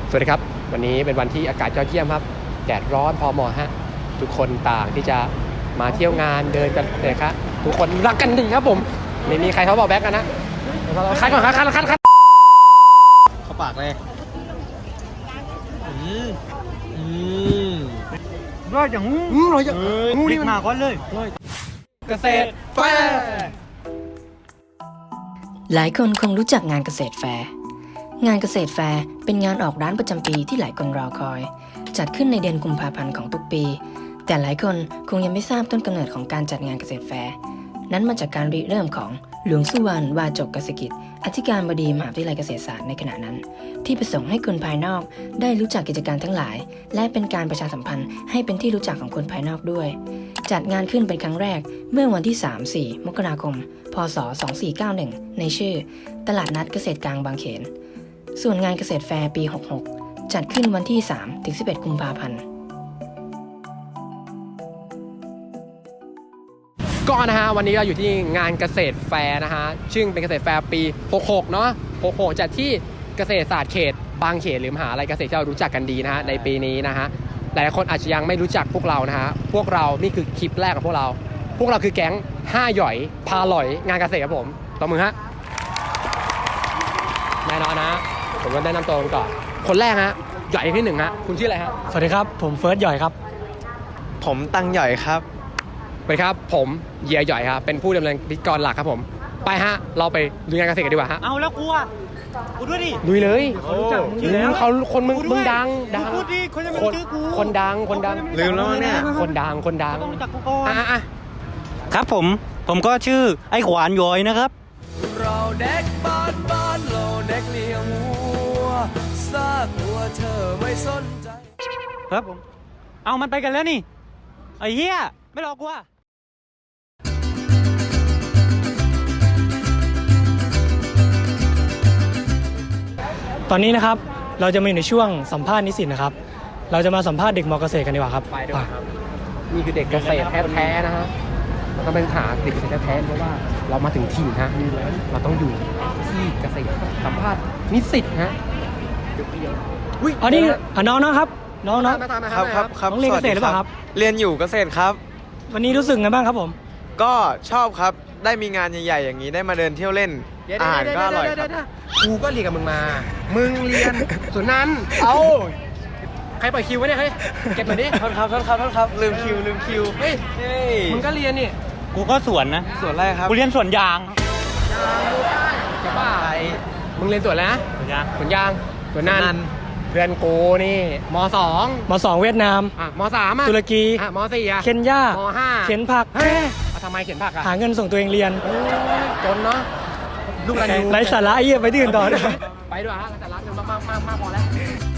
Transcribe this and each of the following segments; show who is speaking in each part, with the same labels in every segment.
Speaker 1: สวัสดีครับวันนี้เป็นวันที่อากาศยอดเยี่ยมครับแดดร้อนพอเหมาะฮะทุกคนต่างที่จะมาเที่ยวงานเดินกันเลยครับทุกคนรักกันดีครับผมไม่มีใครเขาบอกแบ็กกันนะคัดก่อนครับคัด
Speaker 2: เข้าปากเลยร้อยอย่าง
Speaker 1: ร้อยอย่างงูนี่
Speaker 2: มาก่อนเลย
Speaker 1: เกษตรแฟร์
Speaker 3: หลายคนคงรู้จักงานเกษตรแฟร์งานเกษตรแฟร์เป็นงานออกร้านประจำปีที่หลายคนรอคอยจัดขึ้นในเดือนกุมภาพันธ์ของทุกปีแต่หลายคนคงยังไม่ทราบต้นกำเนิดของการจัดงานเกษตรแฟร์นั้นมาจากการริเริ่มของหลวงสุวรรณวาจกกสิกิจอธิการบดีมหาวิทยาลัยเกษตรศาสตร์ในขณะนั้นที่ประสงค์ให้คนภายนอกได้รู้จักกิจการทั้งหลายและเป็นการประชาสัมพันธ์ให้เป็นที่รู้จักของคนภายนอกด้วยจัดงานขึ้นเป็นครั้งแรกเมื่อวันที่ 3-4 มกราคม พ.ศ. 2491ในชื่อตลาดนัดเกษตรกลางบางเขนส่วนงานเกษตรแฟร์ปี 66 จัดขึ้นวันที่ 3-11 กุมภาพันธ์
Speaker 1: ก็นะฮะวันนี้เราอยู่ที่งานเกษตรแฟร์นะฮะซึ่งเป็นเกษตรแฟร์ปี 66 เนาะ 66 จัดที่เกษตรศาสตร์เขตบางเขนหรือมหาวิทยาลัยเกษตรที่เรารู้จักกันดีนะฮะในปีนี้นะฮะหลายคนอาจจะยังไม่รู้จักพวกเรานะฮะพวกเรานี่คือคลิปแรกของพวกเราคือแก๊ง5หย่อยพาหลอยงานเกษตรครับผมต่อมือฮะแน่นอนนะผมก็แนะนำตัวก่อนคนแรกฮะหย่อยที่1ฮะคุณชื่ออะไรฮะ
Speaker 2: สวัสดีครับผมเฟิร์สหย่อยครับ
Speaker 4: ผมตังหย่อยครับ
Speaker 1: สวัสดีครับผมเยียหย่อยครับเป็นผู้ดำเนินพิธีกรหลักครับผมไปฮะเราไปดูงานเกษตรกันดีกว่าฮะ
Speaker 2: เอาแล้วกูด้วยดิ
Speaker 1: ลุยเลย
Speaker 2: เขารู้จักชื่อแล้ว
Speaker 1: เขาคนมึงดัง
Speaker 2: พูดดิคนจะไม่รู้ชื่อกู
Speaker 1: คนดัง
Speaker 4: ลืมแล้วเนี่ย
Speaker 1: คนดัง
Speaker 2: ต้องรู้จักกูก่อน
Speaker 4: ครับผมก็ชื่อไอ้ขวานหย่อยนะครับ
Speaker 5: เราเด็กบ้านเราเด็กเลี้ยงวัวซากวัวเธอไม่สนใจ
Speaker 2: ครับผมเอามันไปกันแล้วนี่ไอ้เหี้ยไม่รอกูตอนนี้นะครับเราจะมาอยู่ในช่วงสัมภาษณ์นิสิตนะครับเราจะมาสัมภาษณ์เด็กม.เกษตรกันดีกว่าครับ
Speaker 1: ไปด้วยครับนี่คือเด็กเกษตรแท้ๆนะฮะเราต้องเป็นหาเด็กเกษตรแท้ๆเพราะว่าเรามาถึงถิ่นฮะเราต้องอยู่ที่เกษตรสัมภาษณ์นิสิตฮะ
Speaker 2: อันนี้น้องครับน้อง
Speaker 4: ครับ
Speaker 2: เรียนเกษตรหรือเปล่าครับ
Speaker 4: เรียนอยู่เกษตรครับ
Speaker 2: วันนี้รู้สึกไงบ้างครับผม
Speaker 4: ก็ชอบครับได้มีงานใหญ่ๆอย่างนี้ได้มาเดินเที่ยวเล่นอาหารก็อร่อยครับ
Speaker 1: กูก็เรียนกับมึงมามึงเรียนส่วนนั้นเอาใครปล่อยคิวไว้เนี่ยเฮ้ยเก็บหน่อยดิ
Speaker 4: โทษครับลืมคิว
Speaker 1: เฮ้ยมึงก็เรียนนี่
Speaker 2: กูก็สวนนะ
Speaker 4: สวนอะไรครับ
Speaker 2: กูเรียนสวนยาง
Speaker 1: จะบ้ามึงเรียนสวนแล้วนะสวนยางสวนนั้นเพื่อนกูนี่ม.2
Speaker 2: เวียดนาม
Speaker 1: ม.3
Speaker 2: ตุรกี
Speaker 1: ม.4
Speaker 2: เคนยาม
Speaker 1: .5
Speaker 2: เข็นผัก
Speaker 1: ทำไมเข็นผัก
Speaker 2: หาเงินส่งตัวเองเรียน
Speaker 1: จนเนาะลูกอะไร
Speaker 2: ไร้สาระไอ้เหี้ยไปที่อื่นต่อ
Speaker 1: ไปด้วยฮะแต่รักกันมากพอแล้ว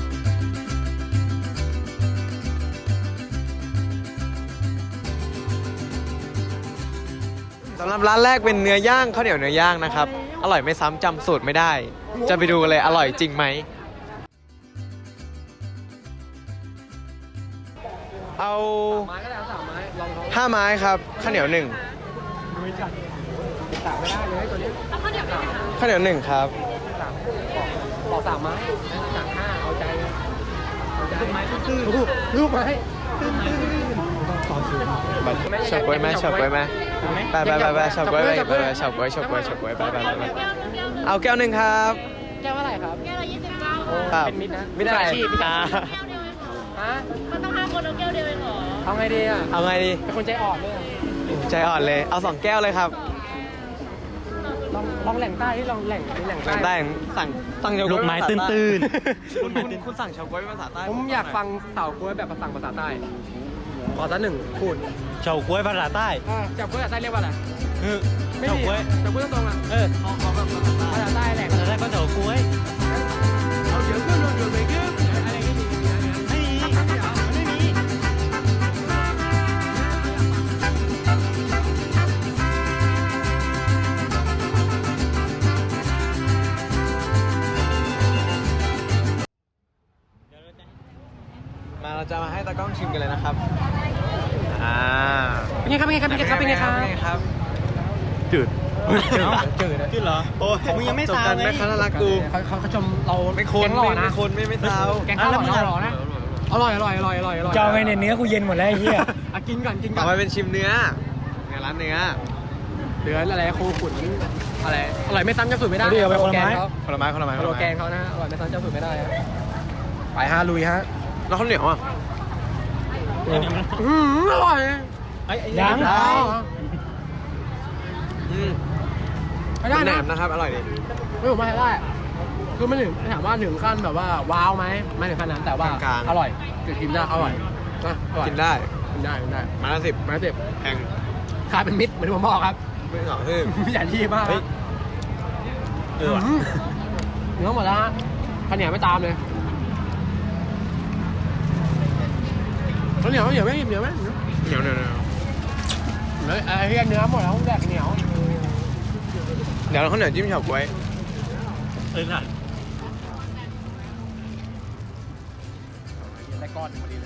Speaker 4: สำหรับร้านแรกเป็นเนื้อย่างข้าวเหนียวเนื้อย่างนะครับอร่อยไม่ซ้ำจำสูตรไม่ได้จะไปดูกันเลยอร่อยจริงไหมเอา5 ไม้ครับข้าวเหนียว1ข้าวเหนียว1ครับ
Speaker 1: บอก3 ไม้จาก5เอาใจรูปไม้
Speaker 4: ชอบกล้วยไหมไปชอบกล้วยไปเอาแก้ว1ครับ
Speaker 1: แก้วเท่าไหร่ครับ
Speaker 6: แก้วละ29
Speaker 1: เป็นมิตรนะมิตรอาชีพ
Speaker 6: มันต้อง5 คนเอาแก้วเดียวเองเหรอ
Speaker 1: เอาไงดีเป็นคนใจอ่อนเลย
Speaker 4: เอา2 แก้วเลยครับ
Speaker 1: ลองแหล่งใต้ที่ลองแหล่ง
Speaker 4: ใต้สั่ง
Speaker 2: ลูกไม้ตื้น
Speaker 4: คุณสั่งเฉาก๊วยภาษาใต้
Speaker 1: ผมอยากฟังเฉาก๊วยแบบภาษาใต้ขอสัก1พูด
Speaker 2: เฉาก๊วยภาษาใต้
Speaker 1: เฉาก๊วยภาษาใต้เรียกว่าอะไร
Speaker 2: เฉาก๊วย
Speaker 1: ตรงๆขอแบบภาษาใต้แหล่ง
Speaker 2: ภาษาใต้ก็เฉาก๊วย
Speaker 1: เอาเดี๋ยวขึ้นลงอยู่ไปขึ้นอะไรไม่มี
Speaker 4: เราจะมาให้ตากล้องชิมกันเลยนะครับ
Speaker 1: เป็นไงครับ
Speaker 4: จืด
Speaker 1: จืดนะ
Speaker 2: ขึ้นเหรอ โอ้ยมึงยังไม่
Speaker 4: จบ
Speaker 2: ซาว
Speaker 4: กัน
Speaker 2: เล
Speaker 4: แม่
Speaker 2: ย
Speaker 4: ค้าน่ารักกู
Speaker 1: เขาชมเรา
Speaker 4: ไม่คน
Speaker 1: แกงหล่อนะ
Speaker 4: ไม่คนไม่ซาว
Speaker 1: แกงข้าวหล่อนะหล่อนะอร่อย
Speaker 2: จะเอาไงเนี่ยเนื้อกูเย็นหมดแล้วไอ้เหี้ย
Speaker 1: อ่ะกินก่อน
Speaker 4: ต่อไปเป็นชิมเนื้อร้านเนื้อ
Speaker 1: เหลืออะไรครูขุนอะไรอร่อยไม่ซ้ำเจ้าสูตรไม่ได้
Speaker 2: เอาดิเอาไปคนละไม้
Speaker 4: ผลไม้
Speaker 1: โลแกนเขานะอร่อยไม่ซ้ำเจ้าสูตรไม่ได้ฮะไปฮะลุยฮะ
Speaker 4: แล้วข้าวเหนียวอ่ะ
Speaker 1: อร่อย
Speaker 2: ยัง
Speaker 1: ไม่ได้
Speaker 4: แหน
Speaker 1: นะ
Speaker 4: มนะครับอร่อยดี
Speaker 1: ไม่ผมไม่ได้ คือไม่ถึงถามว่าถึงขั้นแบบว่าว้าวไหมไม่ถึงขั้นนั้นแต่ว่าอร่อยคือกินได้อร่อยนะอร่อย
Speaker 4: กินได้
Speaker 1: กินได้
Speaker 4: มาละ10
Speaker 1: มาเจ็บ
Speaker 4: แพง
Speaker 1: คายเป็นมิตรเหมือนที่ผมบอกครับ
Speaker 4: ไม่เหรอเฮ้ย
Speaker 1: ไม่อยากที่มาก
Speaker 4: เฮ้ย
Speaker 1: เนื้อหมดแล้วฮะข้าวเหนียวไม่ตามเลยข้าวเหนียวไม่เหนียวไหม
Speaker 4: เหนียว
Speaker 1: ไอ้เหี้ยเนื้อหมดแล้วแดกเหนียว
Speaker 4: เดี๋ยวข้าวเหนียวจิ้มเฉาก๊วย
Speaker 1: ได้ก้อนพอดีเลย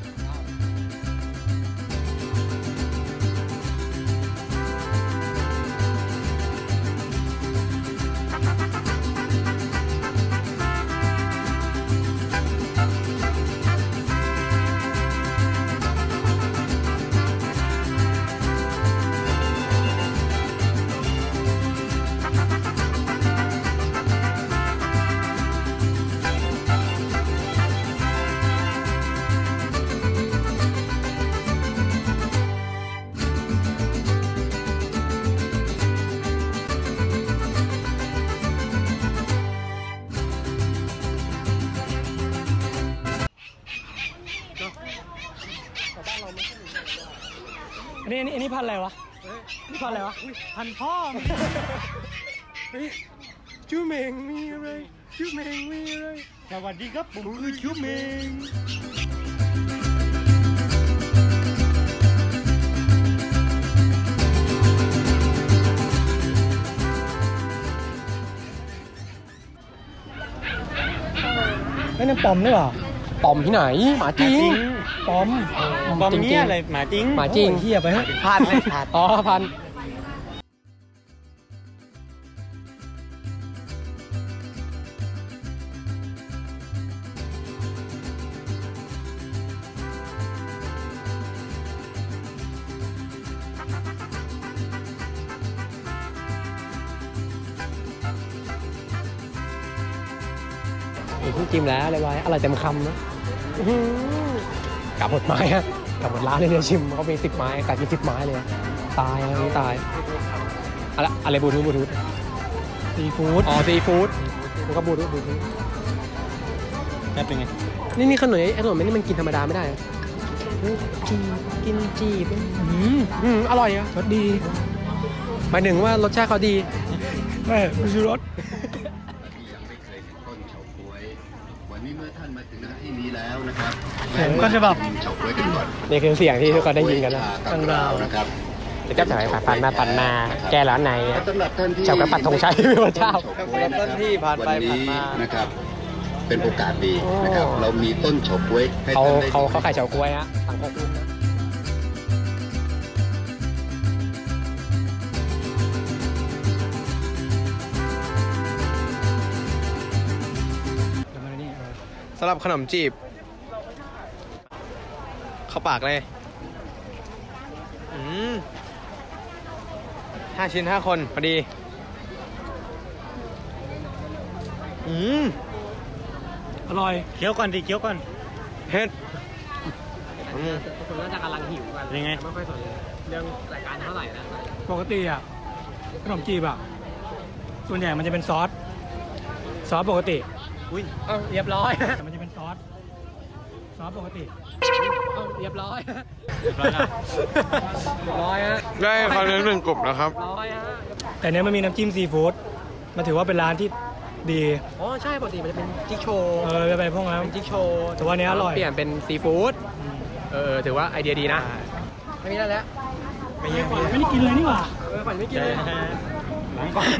Speaker 2: อันนี้พันอะไรวะนี่พันอะไรวะ พันพ่อมึง
Speaker 1: ชื่อเมงมีอะไรชื่อเมงมีอะไร
Speaker 2: สวัสดีครับผมคือชิวเมง ไม่นั่นปอมด้วยเหรอ
Speaker 1: ปอมที่ไหนหมาจริง
Speaker 2: ปอม
Speaker 1: ปอมเนี่ยอะไร
Speaker 2: หมาจริง
Speaker 1: หมาจริง
Speaker 2: โอ้ยเหี้ยไปเฮ้ย
Speaker 4: พลาดเลยพลาด
Speaker 1: อ๋อพันจิ้มแล้วอะไรไว้อร่อยเต็มคำนะกลับหมดไม้ฮะกลับหมดร้านเลยเนี่ยชิมเขามี10 ไม้กัดกิน10 ไม้เลยตายอะไรนี้ตายอะไรบลูทูธ
Speaker 2: ซีฟู้ด
Speaker 1: อ๋อซีฟู้ดมันก็บลูทูธ
Speaker 2: นั่นเป็นไง
Speaker 1: นี่ขนมไอ้ขนมนี่มันกินธรรมดาไม่ได้เหรอกินจีบอร่อยอ่ะ
Speaker 2: รสดี
Speaker 1: หมายถึงว่ารสชาติเขาดี
Speaker 2: ไม่ไม่ชูรส
Speaker 7: วันนี้เมื่อท่านมาถึงหน้าที่นี้แล้วนะครับ
Speaker 2: ก็จะแบบ
Speaker 7: เฉาก๊วยกันก่อน
Speaker 1: นี่คือเสียงที่ทุกคนได้ยินกันนะ
Speaker 7: ตั้งราวนะครับ
Speaker 1: จะจับจ่ายปั่นมาแกร้านไหน
Speaker 7: สำหรับท่านที่
Speaker 1: เจ้ากระปัดธงชัยพี่พระเจ้า
Speaker 4: ต้นที่ผ่านไป
Speaker 7: วัน
Speaker 4: ผ่า
Speaker 7: นี้
Speaker 4: นมา
Speaker 7: นะครับ เป็นโอกาสดีนะครับ เรามีต้นเฉาก๊วยให้
Speaker 1: เขา
Speaker 7: ท่านได้
Speaker 1: เขาขายเฉาก๊วยฮะสังคมรุ่นนะ
Speaker 4: สำหรับขนมจีบ เข้าปากเลย5 ชิ้น 5 คนพอดี
Speaker 2: อร่อยเคี้ยวก่อนดิเคี้ยวก่อน
Speaker 4: เผ็ด
Speaker 1: คนน่าจะกำลังหิวกัน
Speaker 2: ยังไง
Speaker 1: ไม่ค่อยสนเรื่องรายการเท่าไหร่นะ
Speaker 2: ปกติอ่ะขนมจีบอ่ะส่วนใหญ่มันจะเป็นซอสปกติ
Speaker 1: เรียบร้อย
Speaker 2: แต่มันจะเป็นซอสปกติ
Speaker 1: เรียบร้อย
Speaker 4: ได้คอนเทนต์1 กลุ่มนะครับ
Speaker 1: ร้อยฮะ
Speaker 2: แต่เนี้ยมันมีน้ำจิ้มซีฟู้ดมันถือว่าเป็นร้านที่ดี
Speaker 1: อ๋อใช่ปกติมันจะเป็นจิ๊กโชว์
Speaker 2: ไปพวกนั้น
Speaker 1: เป็นจิ๊กโชว์
Speaker 2: แต่ว่าอันนี้อร่อย
Speaker 1: เปลี่ยนเป็นซีฟู้ดถือว่าไอเดียดีนะไม่มีแล้ว
Speaker 2: ไม่ได้กินเลยนี่หว่า
Speaker 1: ฝันไม่กินเลย
Speaker 2: ล้างก่อน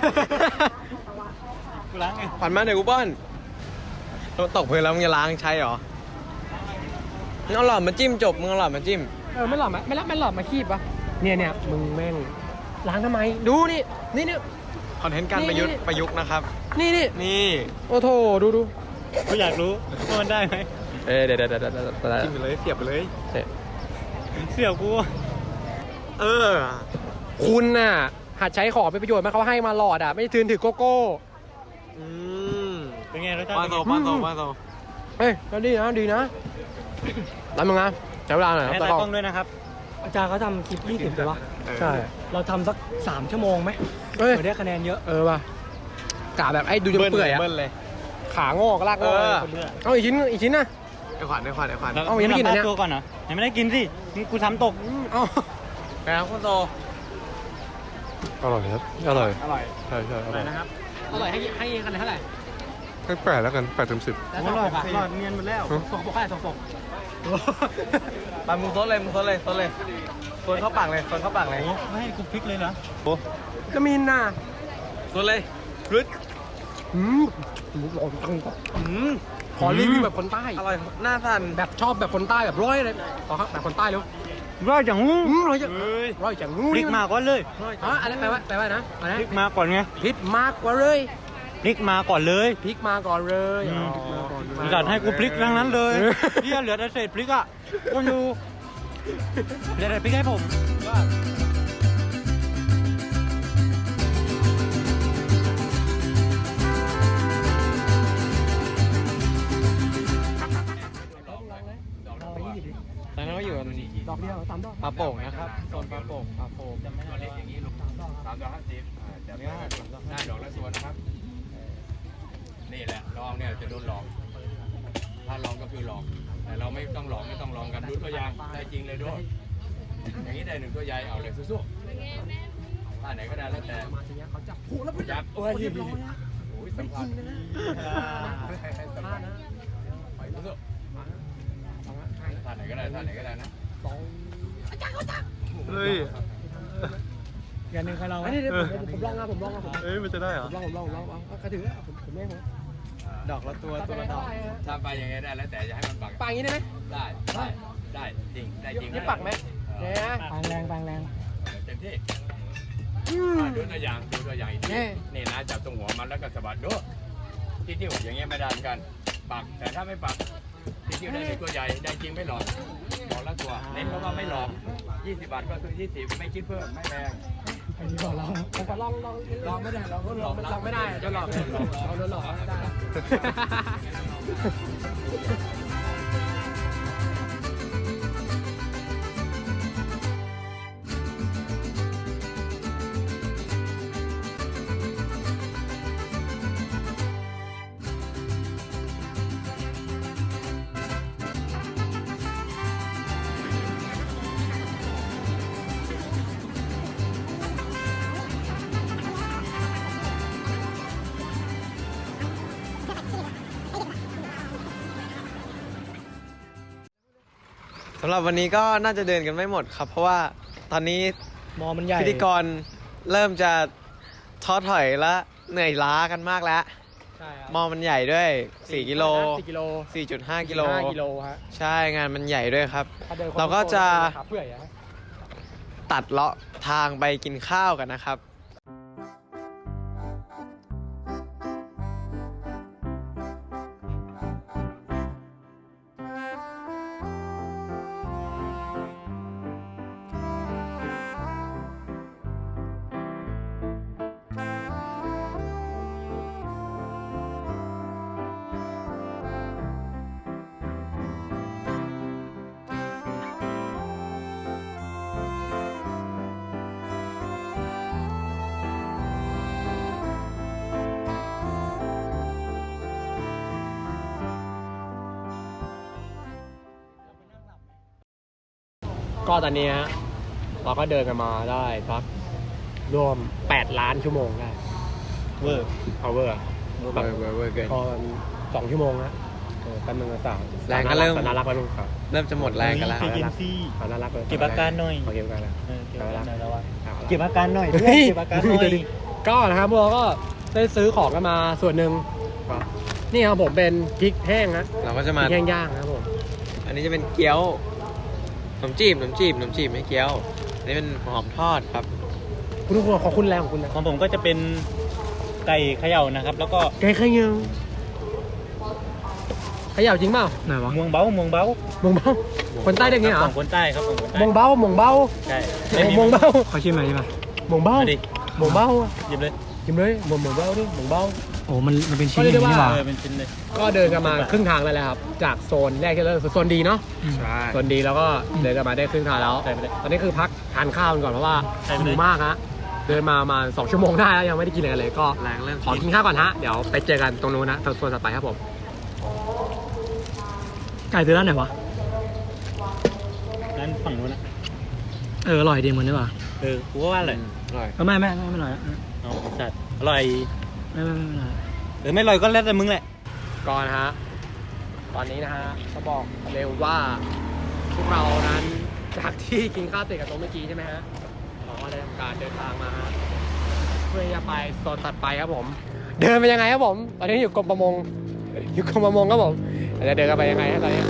Speaker 2: กูล้างไง
Speaker 4: ผ่านมาเดี๋ยวกูป้อนตกพื้นแล้วมึงจะล้างใช้เหรอมึงเอาหลอดมาจิ้มจบมึงเอาหลอดมาจิ้ม
Speaker 1: ไม่หลอดมาคีบปะเนี่ยมึงแม่งล้างทำไมดูนี่นี่
Speaker 4: คอนเทนต์การประยุกต์
Speaker 1: นี่
Speaker 4: ประยุกต์นะครับ
Speaker 1: นี่
Speaker 4: นี่
Speaker 1: โอ้โถดู
Speaker 2: ก็อยากรู้ว่ามันได้ไหม
Speaker 1: เดี๋ยว
Speaker 4: จิ้มไปเลยเสียบไปเลย
Speaker 2: เสี่ยวกู
Speaker 4: เออ
Speaker 1: คุณน่ะหัดใช้ของเป็นประโยชน์มาเขาให้มาหลอดอ่ะไม่ถือโกโก้
Speaker 4: อืม
Speaker 2: เป็นไงรสชาติ
Speaker 4: ปลาโซปลาโซปลาโซ
Speaker 1: เฮ้ยก็ดีนะแล้วมึงอ่ะใช้เวลาหน่อย
Speaker 2: ให้
Speaker 1: ตา
Speaker 2: ตาก
Speaker 1: ล้
Speaker 2: ล้
Speaker 1: อ
Speaker 2: อง งด้วยนะครับ อาจารย์เขาทำคลิป 20ใช่ปะ
Speaker 1: ใช่
Speaker 2: เราทำสัก 3 ชั่วโมงไหม
Speaker 1: เฮ้ย
Speaker 2: เผื่อได้คะแนนเยอะ
Speaker 1: ว่ะกะแบบไอ้ดูจนเปื่อยอ่ะ
Speaker 4: เบิ้ลเลย
Speaker 1: ขางอกลากงอกเลย
Speaker 2: คนเลือก
Speaker 1: เอาอีกชิ้นนะ
Speaker 4: ไอ้ขวัญไอ้ขวัญไอ้ขวัญ
Speaker 1: เอายังไม่กินเหรอเนี่ย
Speaker 2: ตัวก่อนเหรอยังไม่ได้กินสินี่กูทำตก
Speaker 1: เอา
Speaker 4: แล้วคุณโต
Speaker 8: อร่อยครับ อร่อย
Speaker 2: อร่อย
Speaker 8: ใช่ใช่อ
Speaker 2: อ
Speaker 8: ร่
Speaker 2: ร่
Speaker 8: อ
Speaker 2: อย ยนะครับ
Speaker 1: อร่อยให้คะแนนเท่าไหร่
Speaker 8: ให้แปดแล้วกัน8 เต็ม 10
Speaker 1: แล้ว
Speaker 2: อ
Speaker 1: สอง
Speaker 2: ร่อย
Speaker 1: ปก
Speaker 2: อร่อยเนียนหมดแล้ว
Speaker 1: สองปกเท่าไหร่สองปก
Speaker 4: ไปมึงโซดเลยมึงโซดเลยโซดเลยโซนเข้าปากเลยโซนเข้าปากเลย
Speaker 2: โอ้ไม่ให้กูพริกเลยนะ
Speaker 1: ก็มินน่ะ
Speaker 4: โซดเลยรึด
Speaker 1: ร้อนจังขอรีวิวแบบคนใต้
Speaker 4: อร่อยหน้าสั่น
Speaker 1: แบบชอบแบบคนใต้แบบร้อยเลยขอครับแบบคนใต้เร็ว
Speaker 2: ร่อยจังงู
Speaker 1: ร้อยจังร้อยจังงู
Speaker 2: พริกมาก่อนเลย
Speaker 1: อะไรแปลว่านะอะไร
Speaker 2: พริกมาก่อนไง
Speaker 1: พริกมากกว่าเลย
Speaker 2: พริกมาก่อนเลย
Speaker 1: พริกมาก่อนเลย
Speaker 2: จัดให้กูพริกทั้งนั้นเลยเหียเหลือแต่เศษพริกอ่ะกูอยู่เหลือแต่พริกให้ผม
Speaker 4: ตอนนั้นก็อยู่กัน
Speaker 1: ดอกเดียว3 ดอก
Speaker 4: ปลาโป่งนะครับโซนปลาโป่งปลาโป่ง
Speaker 9: ได้ดอกละส่วนนะครับ นี่แหละลองเนี่ยจะโดนหลอก ถ้าลองก็คือหลอก แต่เราไม่ต้องหลอกไม่ต้องลองกันดูตัวอย่างได้จริงเลยด้วย อย่างนี้ได้1 ตัวใหญ่เอาเลยสู้ๆท่าไหนก็ได้แล้วแต่
Speaker 1: มาทีนี้เขาจับผูแล้ว
Speaker 9: จับโอ้ยสัมผัสท่านะไปสู้ๆท่าไหนก็ได้ท่าไหนก็ได้นะ
Speaker 4: เฮ้ย
Speaker 2: อย่างหนึ่งใครลองไหม
Speaker 1: อันนี้เดี๋ยวผมลองนะผม
Speaker 8: เอ้ยมันจะได้เหรอ
Speaker 1: ลองเอากระถือผมเล่นผม
Speaker 4: ดอกละตัวตัวละดอก
Speaker 9: ถ้าไปอย่างไงได้แล้วแต่อย่าให้มันปัก
Speaker 1: ปางอย่างนี้ได้ไหม
Speaker 9: ได้จริงได้จริง
Speaker 1: นี่ปักไหมเนี่ย
Speaker 2: ปางแรงปางแรง
Speaker 9: เต็มที่ดูตัวอย่างอีกทีนี่นะจับตรงหัวมันแล้วก็สะบัดดูที่นิ้วอย่างเงี้ยไม่ได้เหมือนกันปักแต่ถ้าไม่ปักที่นิ้วได้1 ตัวใหญ่ได้จริงไม่หลอกดอกละตัวเน้นเพราะว่าไม่หลอก20 บาทก็คือ20ไม่คิดเพิ่มไม่แพง
Speaker 2: อันนี้บอกลอง
Speaker 1: ผมก็ลองไม่ได้ลองไม่ได้จะหลอกเราโดนหลอกไม่ได้
Speaker 4: สำหรับวันนี้ก็น่าจะเดินกันไม่หมดครับ เพราะว่าตอนนี้
Speaker 2: มอมันใหญ่
Speaker 4: พิธีกรเริ่มจะท้อถอยและเหนื่อยล้ากันมากแล้ว
Speaker 1: ใช่ครับ
Speaker 4: มอมันใหญ่ด้วย4 กิโล
Speaker 1: 4 กิโล
Speaker 4: 4.5 กิโล
Speaker 1: 5 กิโลฮะ
Speaker 4: ใช่งานมันใหญ่ด้วยครับ
Speaker 1: ถ้ดิน
Speaker 4: เราก็จะ
Speaker 1: ขาเปื่อยอะ
Speaker 4: ตัดเลาะทางไปกินข้าวกันนะครับ
Speaker 1: ก็ตอนนี้ฮะเราก็เดินกันมาได้สักรวม8 ล้านชั่วโมงได้
Speaker 2: เวอร์
Speaker 1: เอาเวอร์
Speaker 4: เวอร์เกิน
Speaker 1: ก็2 ชั่วโมงนะแป๊บนึงนะสาว
Speaker 4: แรงก็เริ่ม
Speaker 1: น่ารักแล้วลูกครับ
Speaker 4: เริ่มจะหมดแรงกันแล้ว
Speaker 2: ใจเย็นสิ
Speaker 1: น่ารักเลย
Speaker 2: เก็บอาการหน่อย
Speaker 1: เก็บอาการแล้ว
Speaker 2: เก็บอาการหน่อยแล้ววะเก็บอาการหน่อย
Speaker 1: เฮ้ย
Speaker 2: เก็บอาการหน่อย
Speaker 1: ก็นะครับพวกเราก็ได้ซื้อของกันมาส่วนหนึ่งนี่ครับผมเป็นพริกแห้งนะ
Speaker 4: เราก็จะ
Speaker 1: พ
Speaker 4: มา
Speaker 1: ริกแห้งย่างนะครับผม
Speaker 4: อันนี้จะเป็นเกี๊ยวขนมจีบไม่เกี๊ยว อันนี้เป็นหอมทอดครับ
Speaker 1: คุณทุกคนขอคุณแรงของคุณนะ
Speaker 2: ของผมก็จะเป็นไก่เขย่านะครับ แล้วก็
Speaker 1: ไก่เขย่าเขย่าจริงเปล่าไหนวะ
Speaker 2: มวงเบ้ามวงเบ้า
Speaker 1: มงเบ้าคนใต้เรียกงี้เหรอ
Speaker 2: ของคนใต้ครับของคนใต้
Speaker 1: มงเบ้ามงเบ้า
Speaker 2: ใช่
Speaker 1: มงเบ้า
Speaker 2: ขอชิมหน่อยใช่ไหม
Speaker 1: มงเบ้า
Speaker 2: มาดิ
Speaker 1: มงเบ้า
Speaker 2: หยิบเลย
Speaker 1: กินเลยมงเบ้าดิมงเบ้า
Speaker 2: โอ้มันเป็นชิ้น
Speaker 1: ก็เรียกได้ว่า
Speaker 2: เป็นชิ้นเลย
Speaker 1: ก็เดินกันมาครึ่งทางแล้วแหละครับจากโซนแรกที่เราโซนดีเนาะ
Speaker 4: ใช่
Speaker 1: โซนดีแล้วก็เดินกันมาได้ครึ่งทางแล้ว
Speaker 2: ใช่ไปเลย
Speaker 1: ตอนนี้คือพักทานข้าวกันก่อนเพราะว่า
Speaker 2: ใช่ไปเลย
Speaker 1: หิวมากฮะเดินมาประมาณ2 ชั่วโมงได้แล้วยังไม่ได้กินอะไรกันเลยก็
Speaker 4: แรงเริ่ม
Speaker 1: ขอกินข้าวก่อนฮะเดี๋ยวไปเจอกันตรงนู้นนะโซนถัดไปครับผม
Speaker 2: ไก่ซื้อร้านไหนวะร้านฝั่งนู้นนะอร่อยดีเหมือนนี่ว่ะกูก็ว่าอร่อย
Speaker 4: อร่อย
Speaker 2: ไม่อร่อยอ๋อจัดอร่อยไม่อร่อยไม่อร่อยก็แล้วแต่มึงแหละ
Speaker 1: ก่อนฮะตอนนี้นะฮะจะบอกเร็วว่าพวกเรานั้นจากที่กินข้าวเสร็จกับโต๊ะเมื่อกี้ใช่ไหมฮะเราก็ได้ทำการเดินทางมาฮะเพื่อจะไปโซนถัดไปครับผม เดินไปยังไงครับผมตอนนี้อยู่กรมประมงครับผมจะเดินกันไปยังไงฮะตอนนี้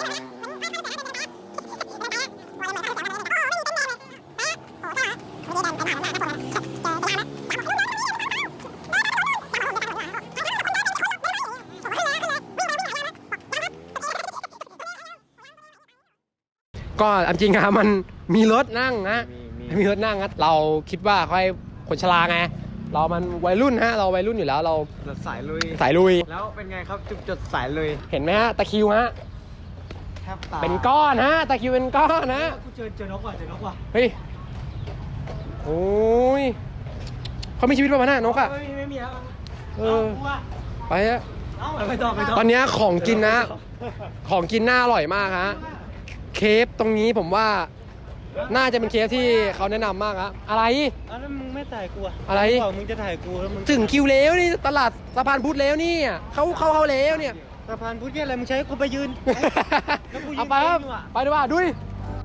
Speaker 1: ก็จริงๆอะมันมีรถนั่งนะมีรถนั่งนะเราคิดว่าค่อยคนชราไงเรามันวัยรุ่นฮะเราวัยรุ่นอยู่แล้วเรา
Speaker 4: สายลุย
Speaker 1: สายลุย
Speaker 4: แล้วเป็นไงครับจุดสายลุย
Speaker 1: เห็นไหมฮะตะคริวฮะ
Speaker 4: แทบตา
Speaker 1: เป็นก้อนฮะตะคริวเป็นก้อนนะ
Speaker 2: กูเจอนกว่ะ
Speaker 1: เฮ้ยโอ้ยเขามีชีวิตประมาณนั้นนกอะ
Speaker 2: ไม่มีแล้ว
Speaker 1: เออไปฮะ
Speaker 2: ไปต่อ
Speaker 1: ตอนนี้ของกินนะ ของกินน่าอร่อยมากฮะเคฟตรงนี้ผมว่าน่าจะเป็นเคฟที่เขาแนะนำมากฮะอะไร
Speaker 2: แล้วมึงไม่ถ่ายกู
Speaker 1: อะไร
Speaker 2: บอกมึงจะถ่ายกูแล้วมึง
Speaker 1: ถึงคิวแล้วนี่ตลาดสะพานพุทธแล้วนี่เข้าแล้วเนี่ย
Speaker 2: สะพานพุทธเนี่ยอะไรมึงใช้กูไปยืน แล้วกูยืน
Speaker 1: เอาไปครับ
Speaker 2: เต้นอยู่อะ
Speaker 1: ไปดีกว่าดุย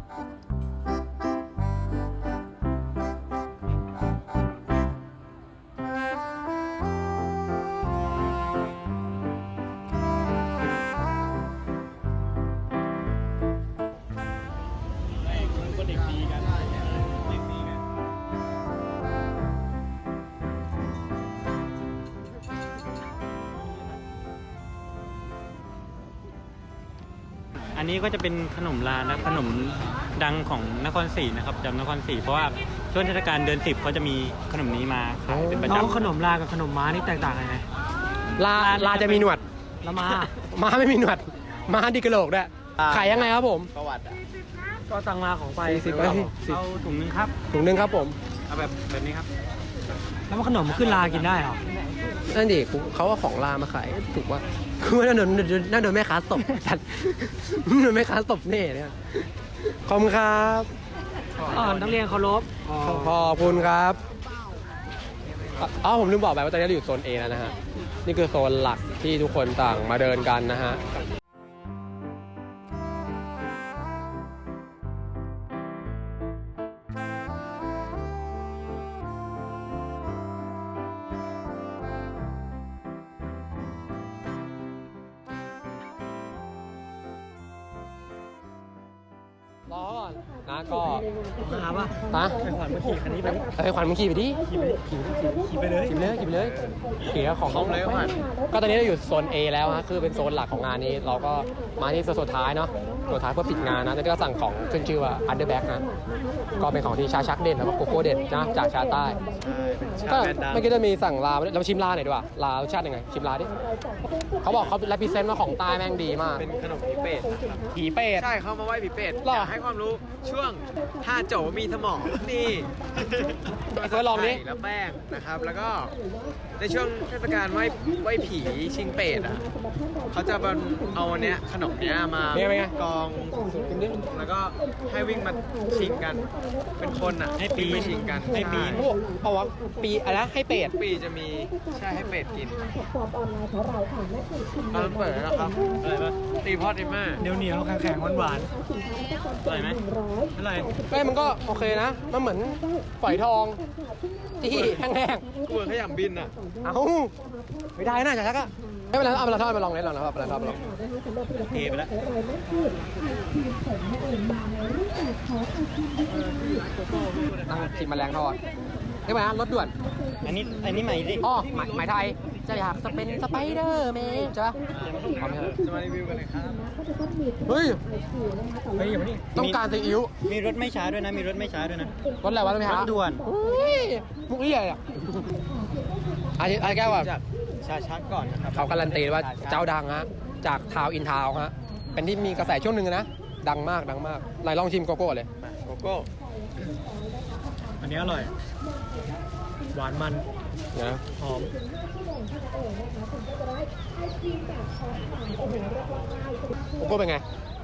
Speaker 2: อันนี้ก็จะเป็นขนมลานะขนมดังของนครศรีนะครับจำนครศรีเพราะว่าช่วงเทศกาลเดือน 10เขาจะมีขนมนี้มาขายเป็นประจำขนมลากับขนมม้านี่แตกต่างกันไง
Speaker 1: ลาจะมีหนวด
Speaker 2: แล้วม้า
Speaker 1: ม้าไม่มีหนวดม้าดีกระโหลกด้วยขายยังไงครับผม
Speaker 4: ประวัติอ่ะ
Speaker 2: ก็ตังมาของไป
Speaker 1: 40
Speaker 2: เอาถุงนึงครับ
Speaker 1: ถุงนึงครับผม
Speaker 2: เอาแบบนี้ครับ แล้วมันขนมขึ้นลากินได้เหรอ
Speaker 1: นั่นดิเขาว่าของลามาขายถูกว่าคือว่าน่าโดนแม่ค้าตบจัดโดนแม่ค้าตบเน่เนี่ยขอบคุณครับ
Speaker 2: นักเรียนเคารพ
Speaker 1: ขอบคุณครับอ๋อผมลืมบอกไปว่าตอนนี้เราอยู่โซน A แล้วนะฮะนี่คือโซนหลักที่ทุกคนต่างมาเดินกันนะฮะรอก่อนนะก็
Speaker 2: หาป่ะ
Speaker 1: ฮะ
Speaker 2: ไปขวัญมาขี่คันนี้ไป
Speaker 1: ขวัญมึงขี่ไปดิ
Speaker 2: ขี่ไปเลย
Speaker 1: ขี่ไปเลยขี่ก็ของเลยขวัญก็ตอนนี้เราอยู่โซน A แล้วฮะคือเป็นโซนหลักของงานนี้เราก็มาที่โซนสุดท้ายเนาะสุดท้ายเพื่อปิดงานนะแล้วก็สั่งของขึ้นชื่อว่า Underback นะก็เป็นของที่ชาชักเด่นแล้วก็โกโก้เด่นนะจากชาใต้ก็เมื่อกี้จะมีสั่งลาเราชิมลาหน่อยดีกว่าลารสชาติยังไงชิมลาดิเขาบอกเขาแรปพรีเซนต์ว่าของใต้แม่งดีมาก
Speaker 4: เป็นขนมผีเป็ดนะครับ
Speaker 1: ผีเป็ด
Speaker 4: ใช่เขามาไหว้ผีเป็ด
Speaker 1: หรอ
Speaker 4: อยากให้ความรู้ช่วงถ้าโจมีสมองนี่
Speaker 1: ไอ้เฟิร์สลองดิ
Speaker 4: ไข่แล้วแป้งนะครับ แล้วก็ในช่วงเทศกาลไหว้ผีชิงเป็ดอ่ะเขาจะเอาเนี้ยขนมเนี้ยมา
Speaker 1: เป็นไง
Speaker 4: กองแล้วก็ให้วิ่งมาชิงกัน เป็นคนอ่ะ
Speaker 2: ให้ปีน
Speaker 4: วิ่งไปชิงกัน
Speaker 2: ให้ปีน
Speaker 1: เขาบอกเอาว่าปีอะไรนะให้เป็ด
Speaker 4: ปีจะมีใช่ให้เป็ดกินตอนเปิดแล้วนะครับ
Speaker 2: อะไรปะ
Speaker 4: ตีพ่อตีแม่
Speaker 2: เหนียวแข็งหวานอร่อยไหมอร่อย
Speaker 1: ก็มันก็โอเคนะมันเหมือนฝอยทองที่แห้ง
Speaker 4: กูเหมือนขยำบินอ่ะ
Speaker 1: ๆเอ้าไม่ได้นะชาชักอะไม่เป็นไรเอาปลาทอดมาลองเลยลองนะครับปลาทอดมาลอง
Speaker 2: เทไปแล้ว
Speaker 1: ตั้งชิมแมลงทอดใช่ไหมรถด่วน
Speaker 2: อันนี้ใหม่ดิ
Speaker 1: อ๋อหมายไทยจะอยากจะเป็นสไปเดอร์แมนใช่ปะพร้อมไหมครับ
Speaker 4: จะมารีวิวกันเลยครับ
Speaker 1: เฮ้ย
Speaker 2: เฮ้ยมานี่
Speaker 1: ต้องการซีอิ๊ว
Speaker 2: มีรถไม่ช้าด้วยนะ มีรถไม่ช้าด้วยนะ
Speaker 1: รถอะไรวะรถไหมฮะ
Speaker 2: รถด่วน
Speaker 1: อุ้ยมุกเอี่ยอ่ะไอ้แก้วว่า
Speaker 4: จากชาชักก่อนนะครับ
Speaker 1: เขาการันตีว่าเจ้าดังฮะจากทาวอินทาวฮะเป็นที่มีกระแสช่วงหนึ่งนะดังมากไหนลองชิมโกโก้เลย
Speaker 4: โกโก้
Speaker 2: อันนี้อร่อย หวานมัน
Speaker 1: นะ
Speaker 2: หอม
Speaker 1: โกโก้เป็นไง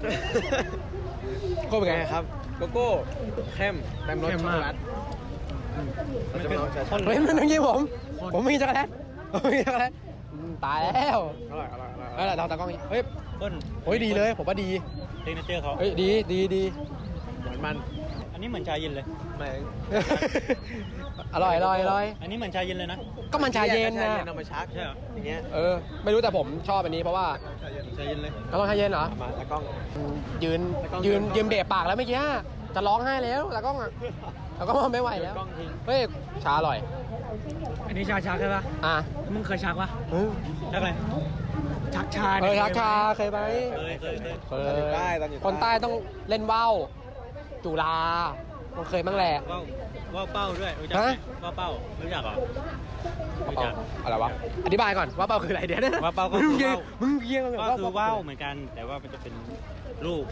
Speaker 1: โกโก้เป็นไง
Speaker 4: ไงครับโกโก้เข้มเต็มรสช็อกโกแลตเราจะมาลองชาชัก
Speaker 1: เฮ้ยมันอย่างงี้ผมไม่กินช็อกโกแลตผมไม่กินช็อกโกแลตตายแล้ว
Speaker 4: อร่อยอร่อยอร่อย
Speaker 1: เฮ้ยเราตากล้องเฮ้ย
Speaker 2: ต้น
Speaker 1: โอ้ยดีเลยผมว่าดี
Speaker 2: เทคนิคเจอร์เขา
Speaker 1: เฮ้ยดี
Speaker 4: หวานมัน
Speaker 2: อันนี้เหมือนชาเย็นเลย
Speaker 4: ไม่
Speaker 1: อร่อย
Speaker 2: อันนี้เหมือนชาเย็นเลยนะ
Speaker 1: ก็มันชาเย็นนะ
Speaker 4: เอามาชัก
Speaker 2: ใช่เหรอ
Speaker 4: อย่างเงี้ย
Speaker 1: ไม่รู้แต่ผมชอบอันนี้เพราะว่า
Speaker 2: ชาเย็นเลย
Speaker 1: ก็ต้องชาเย็นเหรอ
Speaker 4: มาตะกล้อง
Speaker 1: ยืนเบะปากแล้วเมื่อกี้จะร้องไห้แล้วตากล้องอ่ะตากล้องไม่ไหวแล้ว
Speaker 4: กล้องทิ้ง
Speaker 1: เฮ้ยชาอร่อย
Speaker 2: อันนี้ชาชักใช่ปะ
Speaker 1: อ่ะ
Speaker 2: มึงเคยชักปะ
Speaker 1: เออ
Speaker 2: ชักอะไร ชักชา
Speaker 1: ชักชาเคยไหม
Speaker 2: เคย
Speaker 1: เคยคนใต้ต้องเล่นว่าวจุฬามันเคยบ้างแหละ
Speaker 2: ว่าวเป้าด้วยรู้จักไหม
Speaker 1: ฮะ
Speaker 2: ว่าวเป้ารู้จักเหรอรู้จัก
Speaker 1: อะไรวะอธิบายก่อนว่าเป้าคืออะไรเดี๋ยวนะ
Speaker 2: ว่าเป้าก็คือว่าว
Speaker 1: มึงเพี้ยง
Speaker 2: ก็คือว่าวเหมือนกัน แต่ว่ามันจะเป็นรูป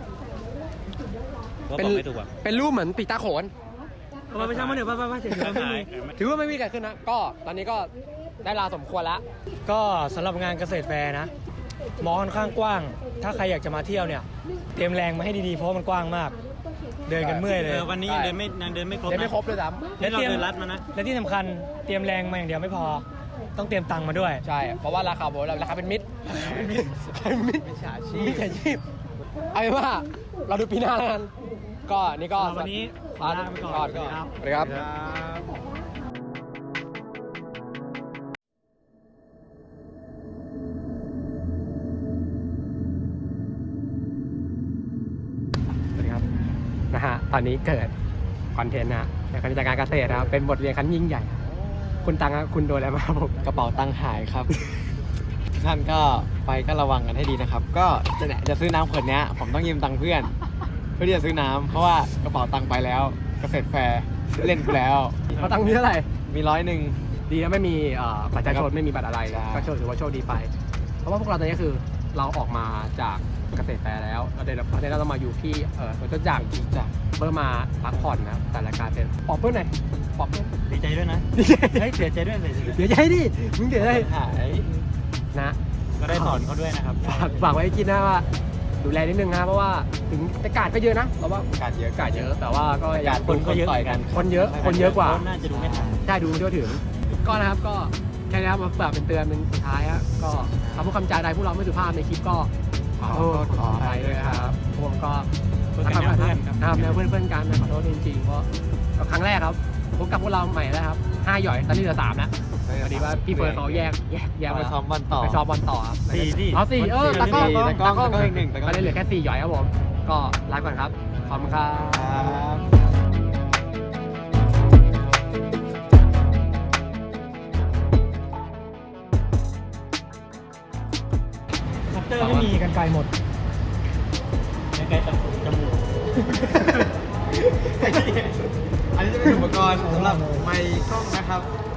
Speaker 2: ว่า
Speaker 1: เป็น
Speaker 2: บอกไม่ถูกอ่ะ
Speaker 1: เป็นรูปเหมือนปีตาโขน
Speaker 2: ไม่ใช่มาเดี๋ยวป้าเฉย
Speaker 1: ถือว่าไม่มีเกิดขึ้นนะก็ตอนนี้ก็ได้เวลาสมควรแล้ว
Speaker 10: ก็สำหรับงานเกษตรแฟร์นะมอค่อนข้างกว้าง ถ้าใครอยากจะมาเที่ยวเนี่ย เตรียมแรงมาให้ดีๆ เพราะว่ามันกว้างมาก เดินกันเมื่อยเลย
Speaker 2: วันนี้ยังเดินไม่ครบ
Speaker 1: ได้ไม่
Speaker 2: นะ
Speaker 1: ครบเลยซ้
Speaker 2: นี่เราเดินลัดมานะ
Speaker 10: และที่สำคัญเตรียมแรงมาอย่างเดียวไม่พอ ต้องเตรียมตังค์มาด้วย
Speaker 1: ำใช่ เพราะว่าราคาผมราคาเป็นมิตรเป็นมิตรมิจฉาชีพเอาเป็นว่าเราดูปีหน้าแล้วกันก็นี่ก็
Speaker 10: วันนี้ขอลาไปก่อน
Speaker 1: สวัสดีครับ สวัสดีครับนะฮะตอนนี้เกิดคอนเทนต์นะในการจัดการเกษตรนะครับเป็นบทเรียนครั้งยิ่งใหญ่ คุณตังครับคุณโดนอะไรมาครับผม
Speaker 4: กระเป๋าตังค์หายครับ ท่านก็ไปก็ระวังกันให้ดีนะครับ ก็จะซื้อน้ำขวดเนี้ยผมต้องยืมตังค์เพื่อน เพื่อที่จะซื้อน้ำเพราะว่ากระเป๋าตังค์ไปแล้วเกษตรแฟร์เล่นกูแล้ว
Speaker 1: เขาตังค์มีเท่าไหร่
Speaker 4: มี100
Speaker 1: ดีนะไม่มีบัตรประชาชนไม่มีบัตรอะไร
Speaker 4: ใช่
Speaker 1: ก็ถือว่าโชคดีไป เพราะว่าพวกเราตอนนี้คือเราออกมาจากเกษตรแฟร์แล้วเราเดี๋ยวเราต้องมาอยู่ที่สวนจตุจักรเพื่อมาพักผ่อนนะครับแต่รายการเป็นปอบเพื่อนหน่อยปอบเพื่อน
Speaker 2: ดีใจด้วยนะ
Speaker 1: ดีใจ
Speaker 2: เฮ้ยเสียใจด้วย
Speaker 1: เสียใจดิมึงเสียใจ
Speaker 4: หาย
Speaker 1: นะ
Speaker 2: ก็ได้สอนเขาด้วยนะครับ
Speaker 1: ฝากไว้ให้คิดนะว่าดูแลนิดนึงนะเพราะว่าถึงแต่กาดก็เยอะนะเราว่า
Speaker 4: การเยอะ
Speaker 1: กาดเยอะแต่ว่าก็อยาก
Speaker 2: คนก็เยอะ
Speaker 4: ต่อยกัน
Speaker 1: คนเยอะกว่า
Speaker 2: น่าจะดูไม่ทัน
Speaker 1: ใช่ดูทั่วถึงก็นะครับก็แค่นี้ครับมาฝากเป็นเตือนเป็นสุดท้ายฮะก็คำพูดคำจาใดพวกเราไม่สุภาพในคลิปก็ขอโทษขออภัยด้วยนะครับพวกผมก็
Speaker 2: เพื่อนกันแนวเพื่อนครับ
Speaker 1: นะครับแนวเพื่อนกันนะขอโทษจริงๆเพราะก็ครั้งแรกครับพบกับพวกเราใหม่แล้วครับ5หย่อยตอนนี้เหลือ3แล้วพอดีว่าพี่เฟิร์นเขาแยก
Speaker 4: ไป
Speaker 1: มา
Speaker 4: ซ้อมบอลต่อ
Speaker 1: ไปซ้อมบอลต่อครับ
Speaker 2: สี่
Speaker 1: อ๋อ4ตากล้อง
Speaker 4: ตากล้องอีกหนึ่ง
Speaker 1: ก็เลยเหลือแค่4หย่อยครับผมก็ลาก่อนครับขอบคุณครับ
Speaker 4: ครับ
Speaker 10: คัตเตอร์ไม่มีกันไกลหมด
Speaker 2: ใกล้ๆจมูก
Speaker 4: อันนี้จะเป็นอุปกรณ์สำหรับไมค์กล้องนะครับ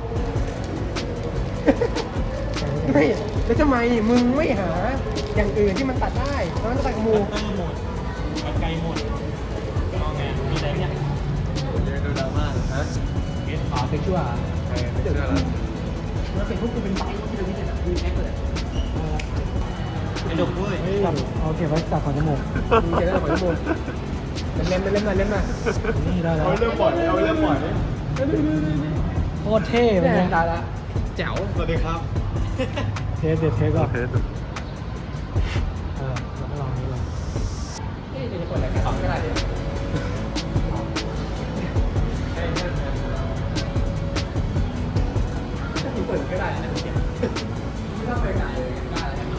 Speaker 1: ไม่แล้วทำไมมึงไม่หาอย่างอื่นที่มันตัดได้แล้วมันก็ตัดกับหมู
Speaker 2: คัตเตอร์หมดกันไกลหมดมองไงมีอะไรเนี่ย
Speaker 4: เยอะดูดราม่าฮะ
Speaker 1: อ๋อเป็นชั่ว
Speaker 4: ไม่เชื่อแล้ว
Speaker 1: แล้วเป็นพวกกูเป็นใบที่เราไม่เห็นมีแอคเลย
Speaker 2: ไอ้ดกเว้ย
Speaker 10: เอาเก็บไว้ตัดขอนจมูก
Speaker 1: มีเจอแล้วขอชั่วโมงเล่นมา
Speaker 10: นี่ได้แล้ว
Speaker 4: เอาเริ่มปล่อยเอาเริ่มปล่อย
Speaker 10: โคตรเท่เลย
Speaker 1: เนี่ย
Speaker 10: นะ
Speaker 1: ตายละแจ๋ว
Speaker 4: สวัสดีครับ
Speaker 10: เทสเด็ดเทสก่อน
Speaker 8: เทส
Speaker 10: เราก็ลองนี้ก่อน
Speaker 1: นี่จะเปิดรายการก็ได้เปิดก็ได้นะไม่ต้องเปิดได้เลยได้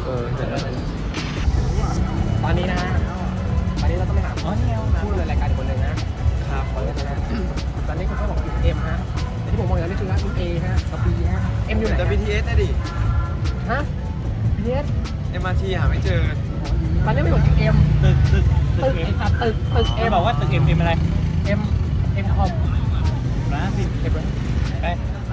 Speaker 1: ตอนนี้นะตอนนี้เราต้องไปหาผู้ดำเนินรายการอีกคนหนึ่งนะครับตอนนี้คุณเขาบอกติดเอ็มฮะมันเรียกไม่ถูกเอ็ม
Speaker 2: ตึก
Speaker 1: ตึกไอ้สัตว์ตึก
Speaker 2: เอ็
Speaker 1: เอ็
Speaker 2: ม
Speaker 1: ม
Speaker 2: บอกว่าตึกเอ็มอะไร
Speaker 1: เอ็มคอม
Speaker 2: นะสิ
Speaker 1: เอ็ม
Speaker 2: ไป